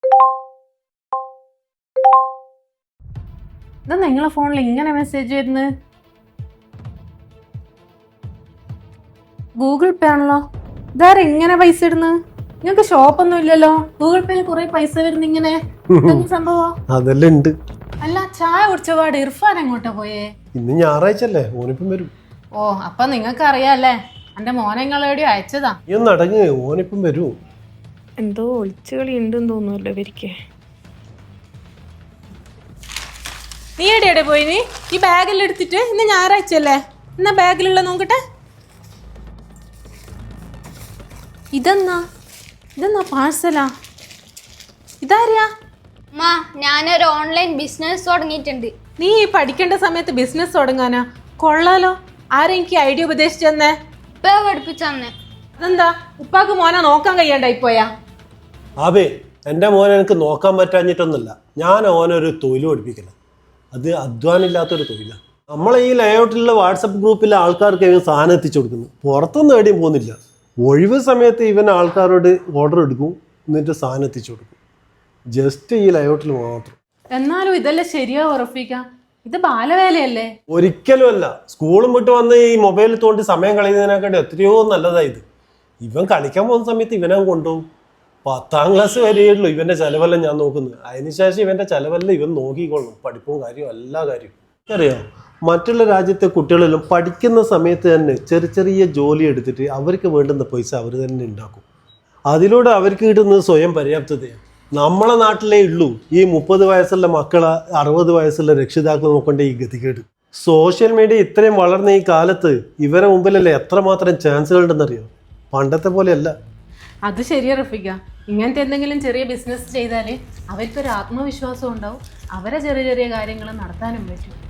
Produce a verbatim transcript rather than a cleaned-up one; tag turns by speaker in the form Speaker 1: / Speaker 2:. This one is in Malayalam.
Speaker 1: ഇതാ നിങ്ങളെ ഫോണിൽ ഇങ്ങനെ മെസ്സേജ് വരുന്നത്? ഗൂഗിൾ പേ ആണല്ലോ. ഇതാരെ ഇങ്ങനെ പൈസ ഇടുന്നത്? നിങ്ങൾക്ക് ഷോപ്പൊന്നും ഇല്ലല്ലോ. ഗൂഗിൾ പേയിൽ കുറെ പൈസ വരുന്ന ഇങ്ങനെ സംഭവം
Speaker 2: അതെല്ലാം ഉണ്ട്.
Speaker 1: അല്ല, ചായ കുടിച്ച പാട് ഇർഫാൻ എങ്ങോട്ടാ പോയേ?
Speaker 2: ഇന്ന് ഞായറാഴ്ച അല്ലേ, ഓനിപ്പം വരും.
Speaker 1: ഓ, അപ്പൊ നിങ്ങൾക്ക് അറിയാല്ലേ എന്റെ മോനെ നിങ്ങളെവിടെയോ അയച്ചതാ.
Speaker 2: നീ ഒന്ന് അടങ്ങ്, ഓനിപ്പം വരും.
Speaker 1: എന്തോ ഒളിച്ചുകളി ഉണ്ടെന്ന് തോന്നുമല്ലോ ഇവർക്ക്. നീ എവിടെയാടെ പോയി? നീ ഈ ബാഗിൽ എടുത്തിട്ട് ഇന്ന് ഞായറാഴ്ച അല്ലേ, എന്നാ ബാഗിലുള്ള നോക്കട്ടെ. ഇതെന്നാ ഇതെന്നാ പാഴ്സലാ? ഇതാരിയാ?
Speaker 3: മാ, ഞാനൊരു ഓൺലൈൻ ബിസിനസ് തുടങ്ങിയിട്ടുണ്ട്.
Speaker 1: നീ ഈ പഠിക്കേണ്ട സമയത്ത് ബിസിനസ് തുടങ്ങാനാ? കൊള്ളാലോ. ആരാ എനിക്ക് ഐഡിയ ഉപദേശിച്ചു തന്നേ?
Speaker 3: ഇപ്പൊ പഠിപ്പിച്ചു തന്നെ.
Speaker 1: അതെന്താ ഉപ്പാക്ക് മോനെ നോക്കാൻ കഴിയാണ്ടായി പോയാ?
Speaker 2: ആബേ, എൻ്റെ മോനെ എനിക്ക് നോക്കാൻ പറ്റാഞ്ഞിട്ടൊന്നുമില്ല. ഞാൻ ഓനൊരു തൊഴിൽ പഠിപ്പിക്കില്ല. അത് അധ്വാനില്ലാത്തൊരു തൊഴിലാണ്. നമ്മളെ ഈ ലേഔട്ടിലുള്ള വാട്സപ്പ് ഗ്രൂപ്പിലെ ആൾക്കാർക്ക് ഇവൻ സാധനം എത്തിച്ചു കൊടുക്കുന്നു. പുറത്തൊന്നും എവിടെയും പോകുന്നില്ല. ഒഴിവ് സമയത്ത് ഇവൻ ആൾക്കാരോട് ഓർഡർ എടുക്കും, എന്നിട്ട് സാധനം എത്തിച്ചു കൊടുക്കും. ജസ്റ്റ് ഈ ലേഔട്ടിൽ മാത്രം.
Speaker 1: എന്നാലും ഇതല്ലേ ശരിയാ ഉറപ്പിക്ക? ഇത് ബാലവേലയല്ലേ?
Speaker 2: ഒരിക്കലും അല്ല. സ്കൂളും വിട്ട് വന്ന് ഈ മൊബൈലിൽ തോണ്ടി സമയം കളയുന്നതിനെക്കാട്ടി എത്രയോ നല്ലതായത്. ഇവൻ കളിക്കാൻ പോകുന്ന സമയത്ത് ഇവനെ കൊണ്ടുപോകും. പത്താം ക്ലാസ് വരെയുള്ളൂ ഇവന്റെ ചെലവെല്ലാം ഞാൻ നോക്കുന്നത്. അതിനുശേഷം ഇവന്റെ ചെലവെല്ലാം ഇവൻ നോക്കിക്കൊള്ളും. പഠിപ്പും കാര്യവും എല്ലാ കാര്യവും അറിയാം. മറ്റുള്ള രാജ്യത്തെ കുട്ടികളെല്ലാം പഠിക്കുന്ന സമയത്ത് തന്നെ ചെറിയ ചെറിയ ജോലി എടുത്തിട്ട് അവർക്ക് വേണ്ടുന്ന പൈസ അവർ തന്നെ ഉണ്ടാക്കും. അതിലൂടെ അവർക്ക് കിട്ടുന്നത് സ്വയം പര്യാപ്തതയാണ്. നമ്മളെ നാട്ടിലേ ഉള്ളൂ ഈ മുപ്പത് വയസ്സുള്ള മക്കളെ അറുപത് വയസ്സുള്ള രക്ഷിതാക്കൾ നോക്കേണ്ട ഈ ഗതികേട്. സോഷ്യൽ മീഡിയ ഇത്രയും വളർന്ന ഈ കാലത്ത് ഇവരെ മുമ്പിലല്ലേ എത്രമാത്രം ചാൻസുകൾ ഉണ്ടെന്നറിയോ? പണ്ടത്തെ പോലെയല്ല.
Speaker 1: അത് ശരിയാ റഫീക്ക. ഇങ്ങനത്തെ എന്തെങ്കിലും ചെറിയ ബിസിനസ് ചെയ്താൽ അവർക്കൊരു ആത്മവിശ്വാസം ഉണ്ടാവും. അവരെ ചെറിയ ചെറിയ കാര്യങ്ങൾ നടത്താനും പറ്റും.